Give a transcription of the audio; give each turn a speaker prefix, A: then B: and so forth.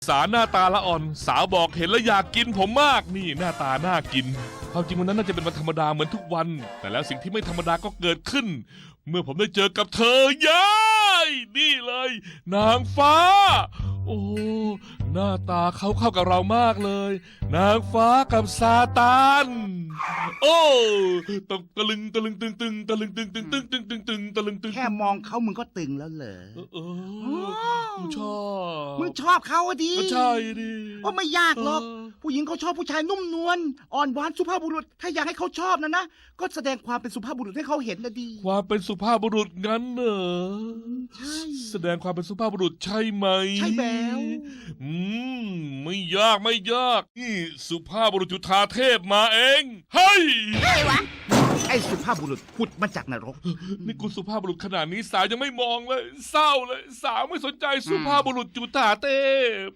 A: สาวหน้าตาละอ่อนสาวบอกเห็นแล้วอยากกินผมมากนี่หน้าตาน่ากินความจริงวันนั้นน่าจะเป็นวันธรรมดาเหมือนทุกวัน แต่แล้วสิ่งที่ไม่ธรรมดาก็เกิดขึ้น เมื่อผมได้เจอกับเธอยายนี่เลย นางฟ้า โอ้หน้าตาเขาเข้ากับเรามากเลย นางฟ้ากับซาตานโอ้ตะลึงตะลึงตึงตึงตะลึงตึงตึงตึงตึงตึงตึงตะลึงตึง
B: แค่มองเขามึงก็ตึงแล้วเหรอ
A: กูชอบ
B: มึงชอบเขาอะดิ
A: ก็ใช่ดิ
B: ว่าไม่ยากหรอก ผู้หญิงเขาชอบผู้ชายนุ่มนวลอ่อนหวานสุภาพบุรุษ ถ้าอยากให้เขาชอบนะก็แสดงความเป็นสุภาพบุรุษให้เขาเห็นนะดี
A: ความเป็นสุภาพบุรุษงั้นเหรอ
B: ใช่
A: แสดงความเป็นสุภาพบุรุษใช่ไหม
B: ใช่แล้ว
A: ไม่ยากไม่ยากนี่สุภาพบุรุษจุฑาเทพมาเองเฮ้ย
B: ไอ้สุภาพบุรุษพุดมาจากนรก
A: นี่กูสุภาพบุรุษขนาดนี้สาวยังไม่มองเลย เศร้าเลย สาวไม่สนใจสุภาพบุรุษจุฑาเทพ